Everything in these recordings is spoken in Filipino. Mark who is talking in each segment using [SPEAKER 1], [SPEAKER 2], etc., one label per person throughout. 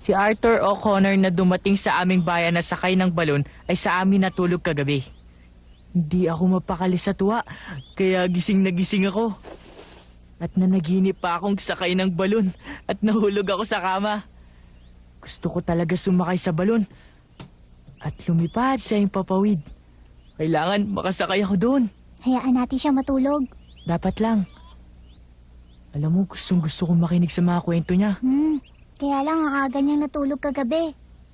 [SPEAKER 1] Si Arthur O'Connor na dumating sa aming bayan na sakay ng balon ay sa amin natulog kagabi. Hindi ako mapakali sa tuwa, kaya gising na gising ako. At nanaginip pa akong sakay ng balon at nahulog ako sa kama. Gusto ko talaga sumakay sa balon at lumipad sa impapawid. Kailangan makasakay ako doon.
[SPEAKER 2] Hayaan natin siya matulog.
[SPEAKER 1] Dapat lang. Alam mo, gustong gusto kong makinig sa mga kwento niya.
[SPEAKER 2] Kaya lang ang aga niyang natulog kagabi.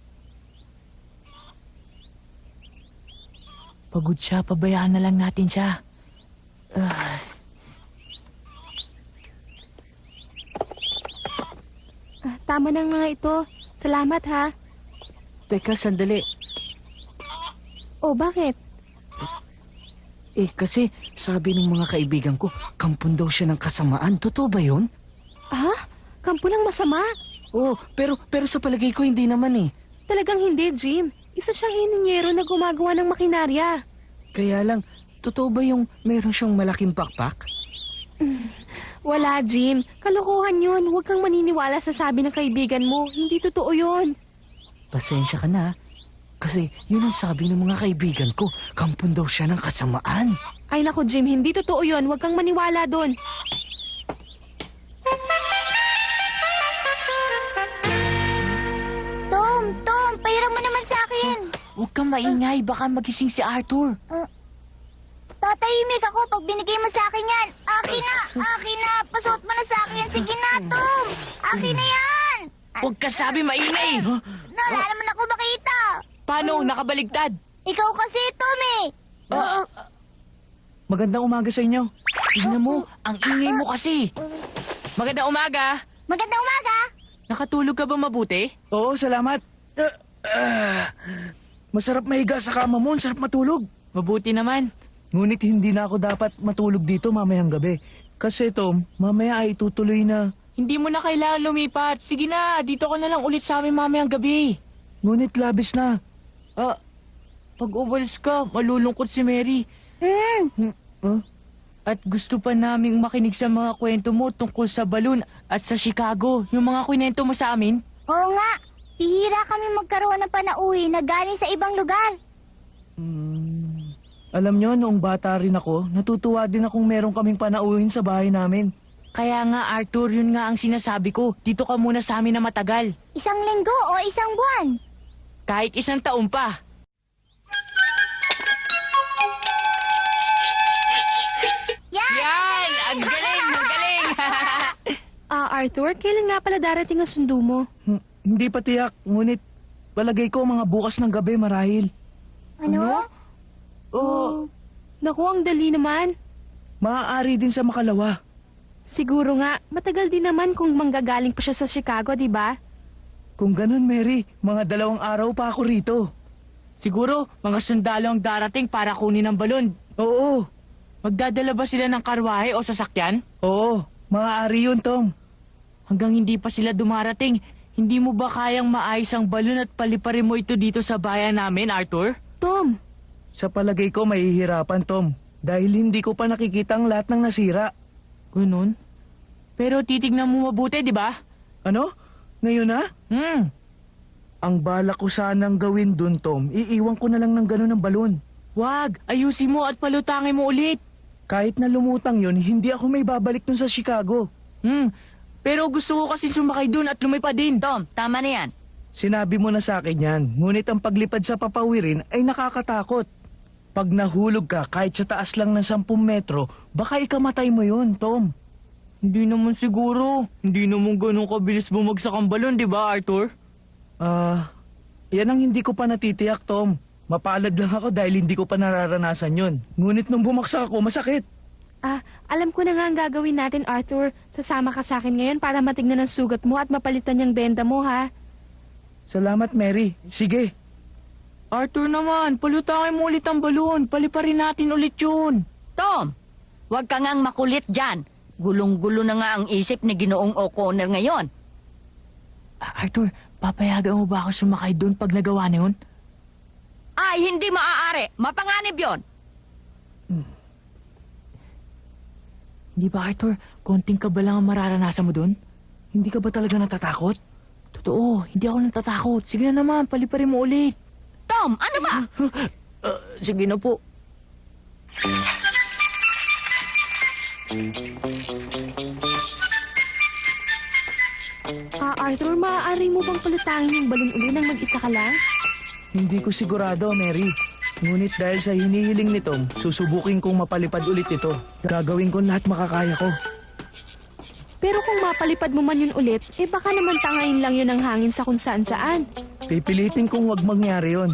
[SPEAKER 1] Pagod siya, pabayaan na lang natin siya.
[SPEAKER 3] Tama na nga ito. Salamat ha.
[SPEAKER 4] Teka, sandali.
[SPEAKER 3] Oh, bakit?
[SPEAKER 4] Kasi sabi ng mga kaibigan ko, kampon daw siya ng kasamaan. Totoo ba yun?
[SPEAKER 3] Ha? Kampo ng masama?
[SPEAKER 4] Oo, pero sa palagay ko hindi naman eh.
[SPEAKER 3] Talagang hindi, Jim. Isa siyang ininyero na gumagawa ng makinarya.
[SPEAKER 4] Kaya lang, totoo ba yung meron siyang malaking pakpak?
[SPEAKER 3] Wala, Jim. Kalokohan yun. Huwag kang maniniwala sa sabi ng kaibigan mo. Hindi totoo yun.
[SPEAKER 4] Pasensya ka na. Kasi yun ang sabi ng mga kaibigan ko. Kampon daw siya ng kasamaan.
[SPEAKER 3] Ay nako, Jim. Hindi totoo yun. Huwag kang maniwala doon.
[SPEAKER 2] Tom, pahiram mo naman sa akin.
[SPEAKER 1] Huwag kang maingay, baka magising si Arthur.
[SPEAKER 2] Tatahimik ako pag binigay mo sa akin yan. Akin na. Pasuot mo na sa akin. Sige na, Tom. Akin na yan.
[SPEAKER 1] Huwag ka sabi maingay!
[SPEAKER 2] Wala naman ako makita.
[SPEAKER 1] Paano? Nakabaligtad?
[SPEAKER 2] Ikaw kasi, Tom eh.
[SPEAKER 5] Magandang umaga sa inyo.
[SPEAKER 1] Tignan mo, ang ingay mo kasi. Magandang umaga.
[SPEAKER 2] Magandang umaga.
[SPEAKER 1] Nakatulog ka ba mabuti?
[SPEAKER 5] Oo, salamat. Masarap mahiga sa kama mo, sarap matulog.
[SPEAKER 1] Mabuti naman.
[SPEAKER 5] Ngunit hindi na ako dapat matulog dito mamayang gabi. Kasi Tom, mamaya ay tutuloy na.
[SPEAKER 1] Hindi mo na kailangan lumipat. Sige na, dito ka na lang ulit sa amin mamayang gabi.
[SPEAKER 5] Ngunit labis na.
[SPEAKER 1] Pag umalis ka, malulungkot si Mary. At gusto pa naming makinig sa mga kwento mo tungkol sa balon at sa Chicago. Yung mga kwento mo sa amin.
[SPEAKER 2] Oo nga. Bihira kami magkaroon ng panauwi na galing sa ibang lugar.
[SPEAKER 5] Alam nyo, noong bata rin ako, natutuwa din akong meron kaming panauhin sa bahay namin.
[SPEAKER 1] Kaya nga Arthur, yun nga ang sinasabi ko. Dito ka muna sa amin na matagal.
[SPEAKER 2] Isang linggo o isang buwan.
[SPEAKER 1] Kahit 1 taon pa. Yan! Ang galing! Ang galing!
[SPEAKER 3] Arthur, kailan nga pala darating ang sundo mo?
[SPEAKER 5] Hindi pa tiyak, ngunit palagay ko mga bukas ng gabi marahil.
[SPEAKER 2] Ano?
[SPEAKER 3] Naku, ang dali naman.
[SPEAKER 5] Maaari din sa Makalawa.
[SPEAKER 3] Siguro nga, matagal din naman kung manggagaling pa siya sa Chicago, di ba?
[SPEAKER 5] Kung ganun, Mary, mga 2 araw pa ako rito.
[SPEAKER 1] Siguro, mga sundalo ang darating para kunin ang balon.
[SPEAKER 5] Oo,
[SPEAKER 1] Magdadala ba sila ng karwahe o sasakyan?
[SPEAKER 5] oo, maaari yun, Tom.
[SPEAKER 1] Hanggang hindi pa sila dumarating, hindi mo ba kayang maayos ang balon at paliparin mo ito dito sa bayan namin, Arthur?
[SPEAKER 3] Tom,
[SPEAKER 5] Sa palagay ko, mahihirapan, Tom. Dahil hindi ko pa nakikita ang lahat ng nasira.
[SPEAKER 1] Ganun? Pero titignan mo mabuti, di ba?
[SPEAKER 5] Ano? Ngayon na? Ang balak ko sanang gawin dun, Tom, iiwan ko na lang ng ganun ang balon.
[SPEAKER 1] Wag, ayusin mo at palutangin mo ulit.
[SPEAKER 5] Kahit na lumutang yun, hindi ako may babalik dun sa Chicago.
[SPEAKER 1] Pero gusto ko kasi sumakay dun at lumipad din.
[SPEAKER 6] Tom, tama na yan.
[SPEAKER 5] Sinabi mo na sa akin yan, ngunit ang paglipad sa papawirin ay nakakatakot. Pag nahulog ka kahit sa taas lang ng 10 metro, baka ikamatay mo yun, Tom.
[SPEAKER 1] Hindi naman siguro. Hindi naman ganun kabilis bumagsak ang balon, di ba, Arthur?
[SPEAKER 5] Yan ang hindi ko pa natitiyak, Tom. Mapalad lang ako dahil hindi ko pa nararanasan yun. Ngunit nung bumaksak ako, masakit.
[SPEAKER 3] alam ko na nga ang gagawin natin, Arthur. Sasama ka sa akin ngayon para matignan ang sugat mo at mapalitan yung benda mo, ha?
[SPEAKER 5] Salamat, Mary. Sige.
[SPEAKER 1] Arthur naman, palutangin mo ulit ang balon. Paliparin natin ulit yun.
[SPEAKER 6] Tom, huwag ka ngang makulit dyan. Gulong-gulo na nga ang isip ni Ginoong O'Connor ngayon.
[SPEAKER 1] Arthur, papayagan mo ba ako sumakay doon pag nagawa na yun?
[SPEAKER 6] Ay, hindi maaari. Mapanganib yon.
[SPEAKER 1] Hindi ba, Arthur? Konting ka ba lang ang mararanasan mo doon?
[SPEAKER 5] Hindi ka ba talaga natatakot?
[SPEAKER 1] Totoo, hindi ako natatakot. Sige na naman, paliparin mo ulit.
[SPEAKER 6] Tom, ano ba?
[SPEAKER 1] Sige na po.
[SPEAKER 3] Arthur, maaari mo bang palutangin yung balon uli nang mag-isa ka lang?
[SPEAKER 5] Hindi ko sigurado, Mary. Ngunit dahil sa hinihiling ni Tom, susubukin kong mapalipad ulit ito. Gagawin ko lahat makakaya ko.
[SPEAKER 3] Pero kung mapalipad mo man yun ulit, baka naman tangayin lang yun ng hangin sa kung saan-saan.
[SPEAKER 5] Pipilitin kong wag mangyari yon.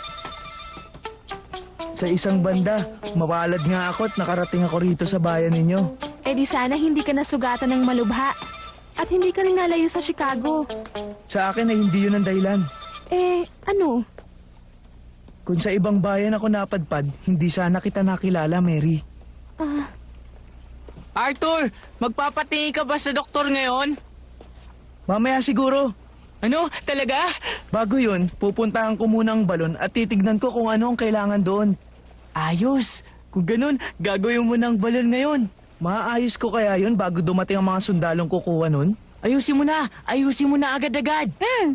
[SPEAKER 5] Sa isang banda, mapalad nga ako at nakarating ako rito sa bayan ninyo.
[SPEAKER 3] Di sana hindi ka nasugatan ng malubha. At hindi ka rin nalayo sa Chicago.
[SPEAKER 5] Sa akin ay hindi yun ang dahilan.
[SPEAKER 3] Ano?
[SPEAKER 5] Kung sa ibang bayan ako napadpad, hindi sana kita nakilala, Mary.
[SPEAKER 1] Arthur, magpapatingin ka ba sa doktor ngayon?
[SPEAKER 5] Mamaya siguro.
[SPEAKER 1] Ano? Talaga?
[SPEAKER 5] Bago yun, pupuntahan ko muna ang balon at titignan ko kung ano ang kailangan doon.
[SPEAKER 1] Ayos. Kung ganun, gagawin mo ng balon ngayon.
[SPEAKER 5] Maaayos ko kaya yun bago dumating ang mga sundalong kukuha nun?
[SPEAKER 1] Ayusin mo na. Ayusin mo na agad-agad.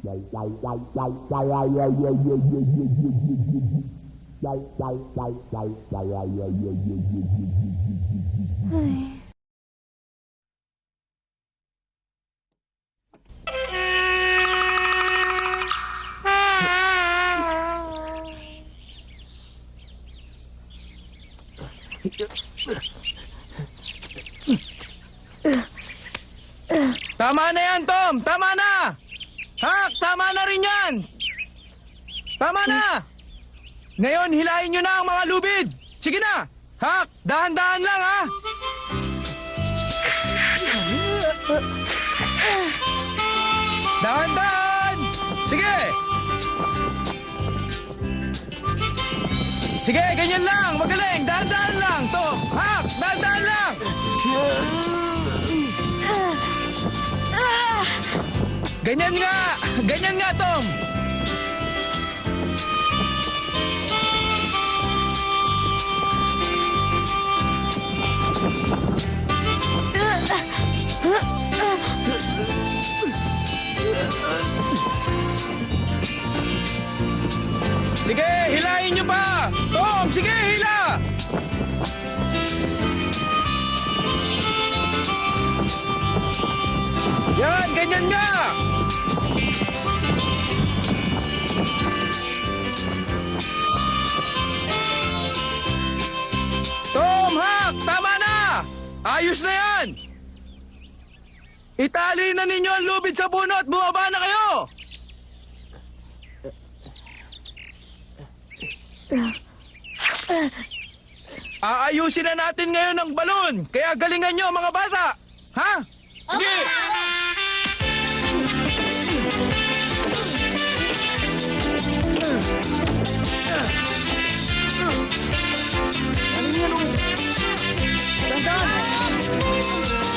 [SPEAKER 5] Tama na yan, Tom! Tama na! Hak! Tama na rin yan! Tama na! Ngayon, hilahin nyo na ang mga lubid! Sige na! Hak! Dahan-dahan lang, ha! Dahan-dahan! Sige! Sige, ganyan lang! Magaling! Dahan-dahan lang, Tom! Hak! Dahan-dahan lang! Ganyan nga! Ganyan nga, Tom! Sige, hilahin nyo pa! Tom, sige, hila! Yan, ganyan nga! Tom, Hak! Tama na! Ayos na yan! Itali na ninyo ang lubid sa puno at bumaba na kayo! Aayusin na natin ngayon ang balon, kaya galingan nyo mga bata! Ha? Sige! Ano yan, oh? Dandan!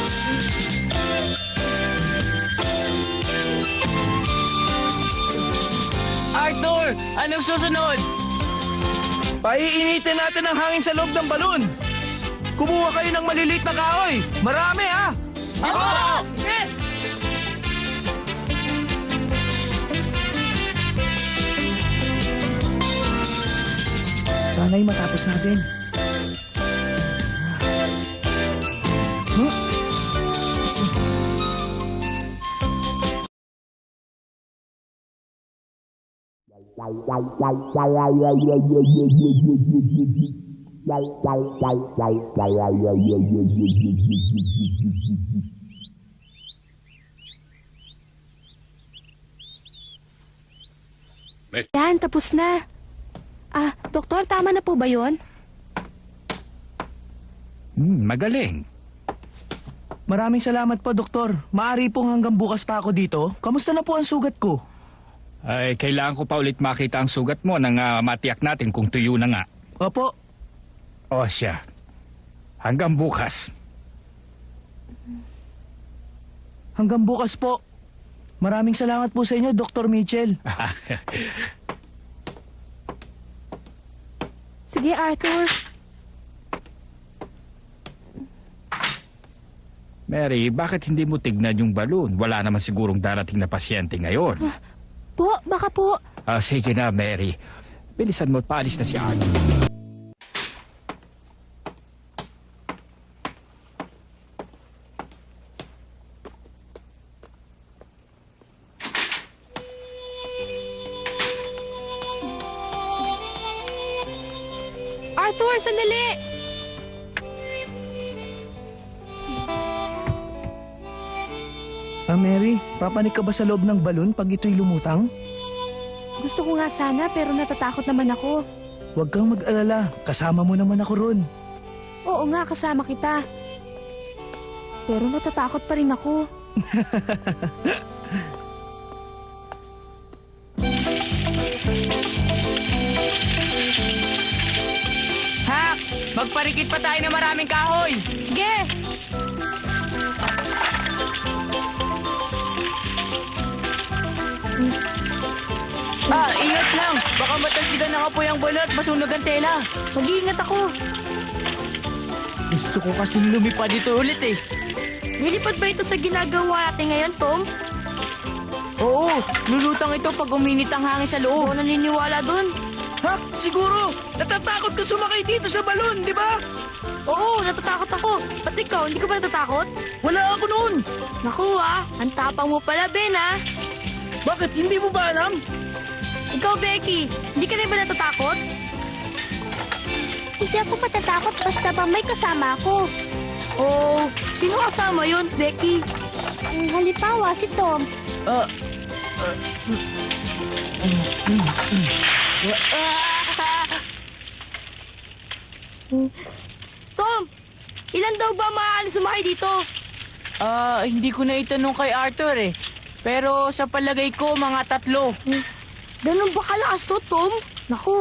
[SPEAKER 1] Arthur, anong susunod?
[SPEAKER 5] Paiinitin natin ang hangin sa loob ng balon. Kumuha kayo ng maliliit na kahoy. Marami, ha? Sana'y matapos natin.
[SPEAKER 3] Yan, tapos na. Doktor, tama na po ba yun?
[SPEAKER 7] Magaling.
[SPEAKER 5] Maraming salamat po, Doktor. Maari pong hanggang bukas pa ako dito. Kamusta na po ang sugat ko?
[SPEAKER 7] Ay, kailangan ko pa ulit makita ang sugat mo nang matiyak natin kung tuyo na nga.
[SPEAKER 5] Opo.
[SPEAKER 7] O siya. Hanggang bukas.
[SPEAKER 5] Hanggang bukas po. Maraming salamat po sa inyo, Dr. Mitchell.
[SPEAKER 3] Sige, Arthur.
[SPEAKER 7] Mary, bakit hindi mo tignan yung balon? Wala naman sigurong darating na pasyente ngayon.
[SPEAKER 3] Po, baka po.
[SPEAKER 7] Sige na, Mary. Bilisan mo, paalis na si Arthur.
[SPEAKER 3] Arthur, sandali!
[SPEAKER 5] Mary, papanik ka ba sa loob ng balon pag ito'y lumutang?
[SPEAKER 3] Gusto ko nga sana pero natatakot naman ako.
[SPEAKER 5] Huwag kang mag-alala, kasama mo naman ako ron.
[SPEAKER 3] Oo nga, kasama kita. Pero natatakot pa rin ako.
[SPEAKER 1] Hak! Magparikit pa tayo ng maraming kahoy!
[SPEAKER 3] Sige!
[SPEAKER 1] Ingat lang! Baka matalsikan ng apoy ang balon at masunog ang tela.
[SPEAKER 3] Mag-iingat ako.
[SPEAKER 1] Gusto ko kasing lumipad dito ulit eh.
[SPEAKER 3] Nilipad ba ito sa ginagawa natin ngayon, Tom?
[SPEAKER 1] Oo, lulutang ito pag uminit ang hangin sa
[SPEAKER 3] Ako
[SPEAKER 1] loob.
[SPEAKER 3] naniniwala dun.
[SPEAKER 5] Hak, siguro! Natatakot ka sumakay dito sa balon, di ba?
[SPEAKER 3] Oo, natatakot ako. Ba't ikaw, hindi ka ba natatakot?
[SPEAKER 5] Wala ako noon!
[SPEAKER 3] Naku ang tapang mo pala, Ben
[SPEAKER 5] Bakit? Hindi mo ba alam?
[SPEAKER 3] Ikaw, Becky, hindi ka rin ba natatakot?
[SPEAKER 2] Hindi ako matatakot basta ba may kasama ako.
[SPEAKER 3] Oh, sino kasama yun, Becky?
[SPEAKER 2] Halimbawa, si Tom.
[SPEAKER 3] Tom, ilan daw ba maaaring sumakay dito?
[SPEAKER 1] Hindi ko na itanong kay Arthur eh. Pero sa palagay ko, mga 3.
[SPEAKER 3] Ganun ba kalakas to, Tom? Naku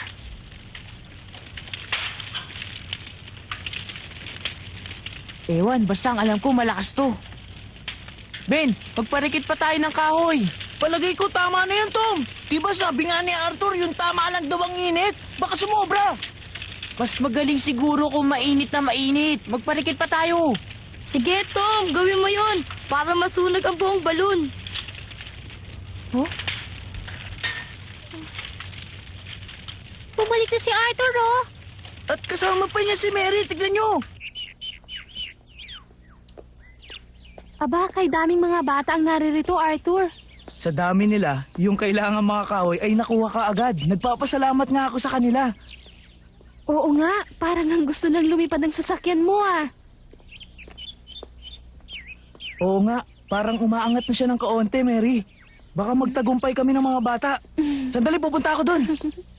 [SPEAKER 1] Ewan, basta ang alam ko malakas to. Ben, magparikit pa tayo ng kahoy.
[SPEAKER 5] Palagay ko tama na yan, Tom. Diba sabi nga ni Arthur, yung tama lang daw ang init? Baka sumobra.
[SPEAKER 1] Mas magaling siguro kung mainit na mainit. Magparikit pa tayo.
[SPEAKER 3] Sige, Tom, gawin mo yun para masunog ang buong balon.
[SPEAKER 2] Bumalik na si Arthur, oh.
[SPEAKER 5] At kasama pa niya si Mary, tignan nyo.
[SPEAKER 3] Aba, kay daming mga bata ang naririto, Arthur.
[SPEAKER 5] Sa dami nila, yung kailangan mga kahoy ay nakuha ka agad. Nagpapasalamat nga ako sa kanila.
[SPEAKER 3] Oo nga, parang ang gusto nang lumipad ng sasakyan mo
[SPEAKER 5] Oo nga, parang umaangat na siya ng kaonte, Mary. Baka magtagumpay kami ng mga bata. Sandali, pupunta ako doon.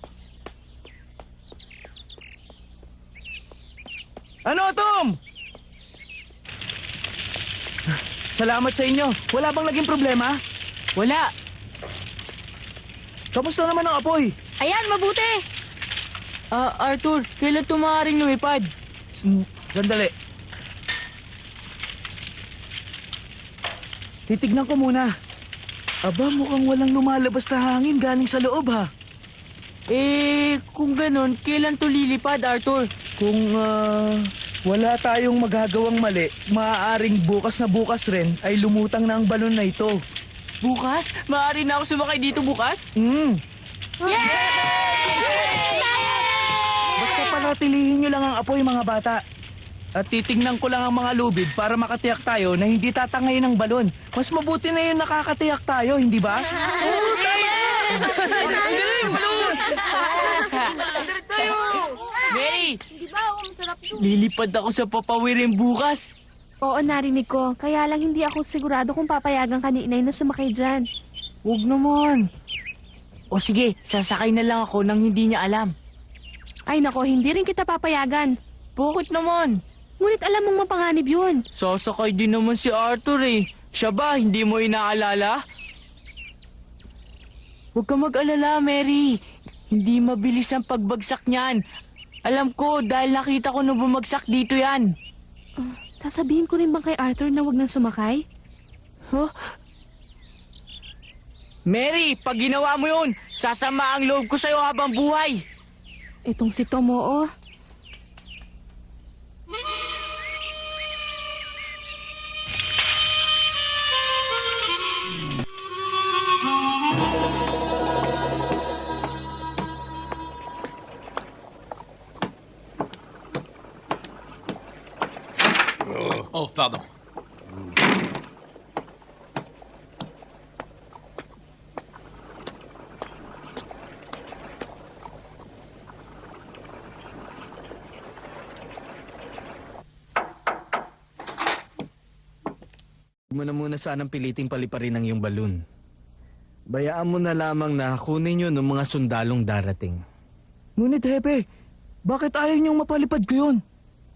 [SPEAKER 5] Ano, Tom? Salamat sa inyo. Wala bang naging problema?
[SPEAKER 1] Wala.
[SPEAKER 5] Kamusta naman ang apoy?
[SPEAKER 3] Ayan, mabuti.
[SPEAKER 1] Arthur, kailan tumaring lumipad?
[SPEAKER 5] Sandali. Titignan ko muna. Aba, mukhang walang lumalabas na hangin galing sa loob, ha?
[SPEAKER 1] Kung ganun, kailan to lilipad, Arthur?
[SPEAKER 5] Kung wala tayong magagawang mali, maaaring bukas na bukas rin ay lumutang na ang balon na ito.
[SPEAKER 1] Bukas? Maaari na ako sumakay dito bukas?
[SPEAKER 5] Basta panatilihin nyo lang ang apoy, mga bata. At titignan ko lang ang mga lubid para makatiyak tayo na hindi tatangayin ang balon. Mas mabuti na yung nakakatiyak tayo, hindi ba?
[SPEAKER 1] Mary! Lilipad ako sa papawirin bukas.
[SPEAKER 3] Oo, narinig ko. Kaya lang hindi ako sigurado kung papayagan ka ni Inay na sumakay dyan.
[SPEAKER 1] Huwag naman. O sige, sasakay na lang ako nang hindi niya alam.
[SPEAKER 3] Ay nako, hindi rin kita papayagan.
[SPEAKER 1] Bakit naman?
[SPEAKER 3] Ngunit alam mong mapanganib yun.
[SPEAKER 1] Sasakay din naman si Arthur eh. Siya ba, hindi mo inaalala? Huwag ka mag-alala, Mary. Hindi mabilis ang pagbagsak niyan. Alam ko, dahil nakita ko nung bumagsak dito yan.
[SPEAKER 3] Sasabihin ko rin bang kay Arthur na wag nang sumakay?
[SPEAKER 1] Huh? Mary, pag ginawa mo yun, sasama ang loob ko sa'yo habang buhay.
[SPEAKER 3] Itong si Tom, oo.
[SPEAKER 8] Oh, pardon.
[SPEAKER 9] Huwag mo na muna sanang piliting paliparin ang iyong balon. Bayaan mo na lamang na kunin yun ng mga sundalong darating.
[SPEAKER 5] Ngunit, Hepe, bakit ayaw niyong mapalipad ko yun?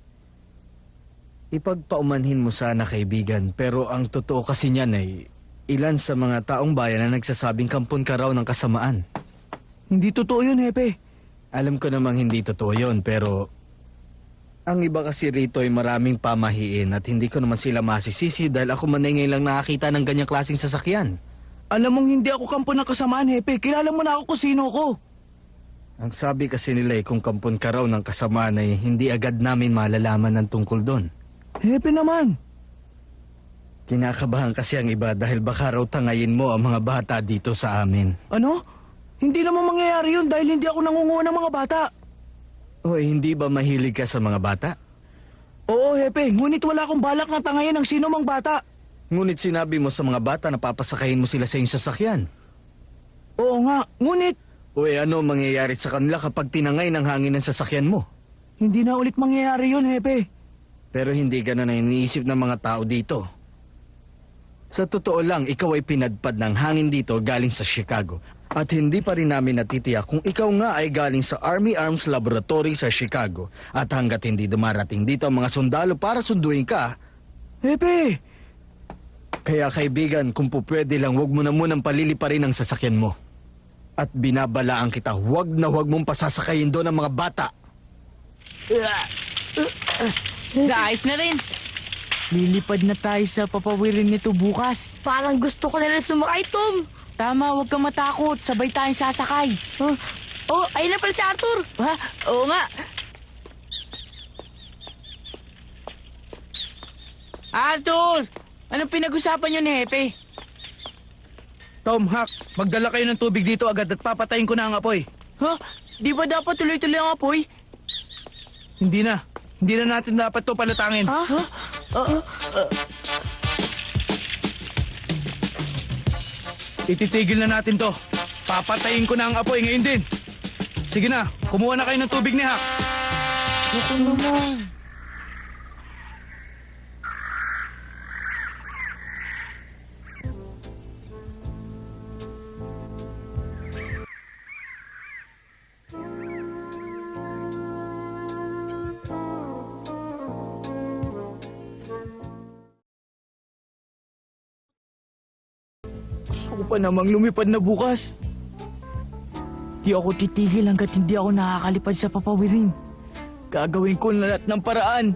[SPEAKER 9] Ipagpaumanhin mo sana, kaibigan, pero ang totoo kasi niyan ay ilan sa mga taong bayan na nagsasabing kampon ka raw ng kasamaan.
[SPEAKER 5] Hindi totoo yun, Hepe.
[SPEAKER 9] Alam ko namang hindi totoo yun, pero ang iba kasi rito ay maraming pamahiin at hindi ko naman sila masisisi dahil ako man ay ngayon lang nakakita ng ganyang klaseng sasakyan.
[SPEAKER 5] Alam mong hindi ako kampo ng kasamaan, Hepe. Kilala mo na ako kung sino ko.
[SPEAKER 9] Ang sabi kasi nila ay kung kampon ka raw ng kasamaan ay hindi agad namin malalaman ng tungkol doon.
[SPEAKER 5] Hepe naman.
[SPEAKER 9] Kinakabahan kasi ang iba dahil baka raw tangayin mo ang mga bata dito sa amin.
[SPEAKER 5] Ano? Hindi naman mangyayari yun dahil hindi ako nangunguha ng mga bata.
[SPEAKER 9] O hindi ba mahilig ka sa mga bata?
[SPEAKER 5] Oo, Hepe. Ngunit wala akong balak na tangayin ng sino mang bata.
[SPEAKER 9] Ngunit sinabi mo sa mga bata na papasakayin mo sila sa iyong sasakyan.
[SPEAKER 5] Oo nga. Ngunit,
[SPEAKER 9] O ano ang mangyayari sa kanila kapag tinangay ng hangin ng sasakyan mo?
[SPEAKER 5] hindi na ulit mangyayari yun, Hepe.
[SPEAKER 9] Pero hindi ganun ang iniisip ng mga tao dito. Sa totoo lang, ikaw ay pinadpad ng hangin dito galing sa Chicago. At hindi pa rin namin natitiyak kung ikaw nga ay galing sa Army Arms Laboratory sa Chicago. At hanggat hindi dumarating dito ang mga sundalo para sunduin ka,
[SPEAKER 5] Hepe!
[SPEAKER 9] kaya kaibigan, kung po pwede lang, huwag mo na munang paliliparin ang sasakyan mo. At binabalaan kita, huwag na huwag mong pasasakayin doon ang mga bata.
[SPEAKER 1] Naayos na rin. Lilipad na tayo sa papawirin nito bukas.
[SPEAKER 3] Parang gusto ko na rin sumakay, Tom.
[SPEAKER 1] Tama, huwag kang matakot. Sabay tayong sasakay.
[SPEAKER 3] Huh? Oh, ayun na pala si Arthur.
[SPEAKER 1] Ha? Oo nga. Arthur! Anong pinag-usapan niyo ni Hepe?
[SPEAKER 5] Tom, Hak, magdala kayo ng tubig dito agad at papatayin ko na ang apoy.
[SPEAKER 1] Ha? Di ba dapat tuloy-tuloy ang apoy?
[SPEAKER 5] Hindi na. Hindi na natin dapat to palatangin.
[SPEAKER 3] Ha?
[SPEAKER 5] Ititigil na natin to. Papatayin ko na ang apoy ngayon din. Sige na, kumuha na kayo ng tubig ni Hak.
[SPEAKER 1] Ito naman. Gusto ko pa namang lumipad na bukas. Di ako titigil hanggat hindi ako nakakalipad sa papawirin. Gagawin ko na lahat ng paraan.